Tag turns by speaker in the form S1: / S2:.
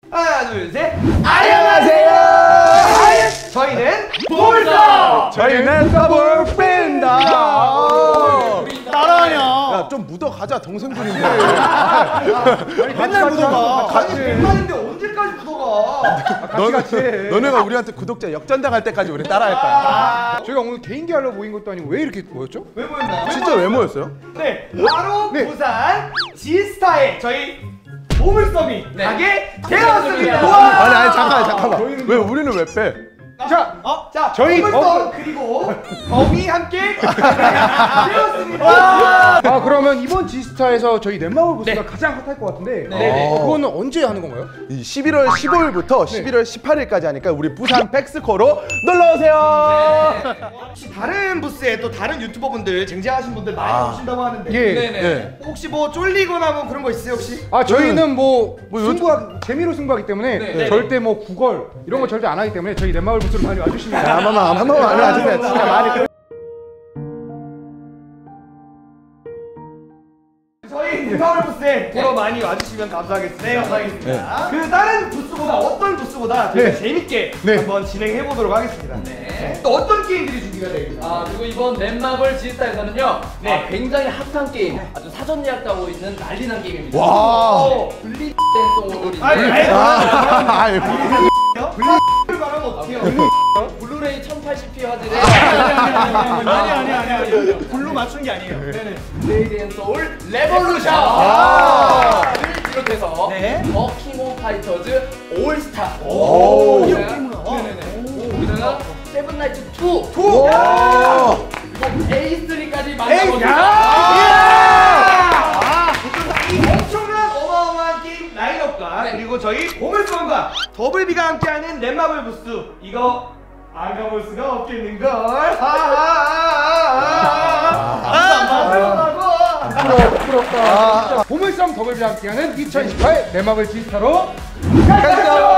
S1: 하나 둘 셋.
S2: 안녕하세요.
S1: 저희는 볼서.
S2: 저희는 더블 뺀다.
S3: 따라하냐?
S2: 야, 좀 묻어가자. 동생들인데.
S3: 맨날 묻어가.
S1: 아니 100만인데 언제까지 묻어가?
S2: 같이 너네가 우리한테 구독자 역전당할 때까지 우리 따라할 거야.
S4: 저희가 오늘 개인기 하러 모인 것도 아니고 왜 이렇게 모였죠?
S1: 왜 모였나요?
S2: 진짜 왜 모였어요?
S1: 네, 바로 부산 지스타에 저희 보물섬이 가게 되었습니다.
S2: 아니 잠깐만. 왜 우리는 왜 빼?
S1: 자,
S4: 저희
S1: 보물섬 그리고 범이 함께 되었습니다.
S4: 아 그러면 이번 지스타에서 저희 넷마블 부스가 가장 핫할 것 같은데 그거는 언제 하는 건가요?
S2: 이 11월 15일부터 11월 18일까지 하니까 우리 부산 백스코로 놀러 오세요.
S1: 혹시 다른 부스에 또 다른 유튜버분들 쟁쟁하신 분들 많이 오신다고 하는데
S2: 네.
S1: 혹시 뭐 쫄리거나 뭐 그런 거 있어요 혹시?
S4: 아 저희는 뭐 재미로 승부하기 때문에
S1: 네.
S4: 절대 뭐 구걸 이런 거 절대 안 하기 때문에 저희 넷마블 부스로 많이 와주시면
S2: 한 번만 와주세요. 진짜 많이.
S1: 저희 넷마블 부스에 보러 많이 와주시면 감사하겠습니다. 그 다른 부스보다 어떤 부스보다 저희가 재밌게 한번 진행해 보도록 하겠습니다. 또 어떤 게임들이 준비가 되어 있나요?
S5: 그리고 이번 넷마블 지스타에서는요 굉장히 핫한 게임, 아주 사전 예약하고 있는 난리난 게임입니다.
S2: 와.
S5: 블리 댄송을
S1: 블루를 말하면 어떡해요?
S5: 블루레이 1080p 화질의
S3: 아니. 불로 맞춘 게 아니에요.
S5: 블레이드 앤 소울 레볼루션을 비롯해서 버킹홈 파이터즈 올스타 우리나라 세븐나이츠 2 그리고 A3까지 만나보겠습니다.
S1: 이 엄청난 어마어마한 게임 라인업과 그리고 저희 보물섬과 더블비가 함께하는 넷마블 부스 이거 안 가볼 수가 없겠는걸.
S4: 부끄럽다. 보물섬 더블비 함께하는 2018 넷마블 지스타로 가자.